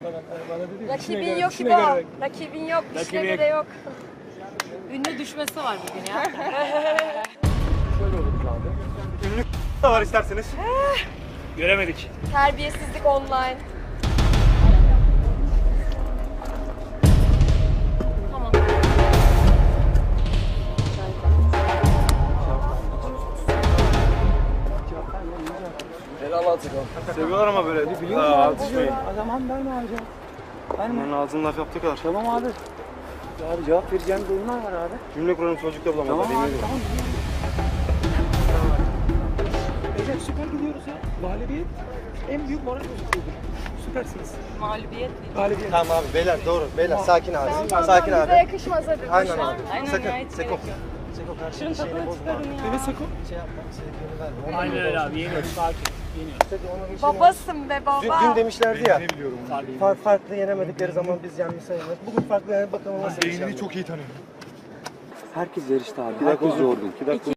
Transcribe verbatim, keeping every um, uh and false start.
Rakibin yok ki bu. Rakibin yok. İşine göre yok. Ünlü düşmesi var bugün ya. Şöyle oluruz abi. Ünlü da var isterseniz. Göremedik. Terbiyesizlik online. Tamam. Helal atın. Seviyorlar ama böyle. Ne biliyor musun? Adam ben ne yapacağım? Onun ağzının laf yaptığı kadar. Tamam abi. Abi cevap vereceğim durumlar var abi. Cümle kurarım sözcükte bulamazlar. Tamam abi, tamam. Beyler süper gidiyoruz ya. Galibiyet en büyük moral bozukluğudur. Süpersiniz. Mağlubiyet değil. Galibiyet. Tamam abi beyler doğru. Beyler sakin abi. Tamam, Sakin bize abi. yakışmaz hadi. Aynen abi. Aynen Sakın. ya, hiç Seko. gerek yok. Seko karşının şeyini bozma. Evet Sako. Şey yapma. Sevgiini verme. Aynen öyle abi, yeniyoruz, sakin, yeniyoruz. Seko onun şeyini- Babasın be Dün, baba. dün demişlerdi ya. biliyorum. Far, farklı yenemedikleri zaman biz yenmiş sayılır. Bugün farklı yenemedik bakalım nasıl bir şey. çok iyi tanıyorum. Herkes yarıştı abi. Bir dakika Herkes zordu. yorgun. Bir dakika.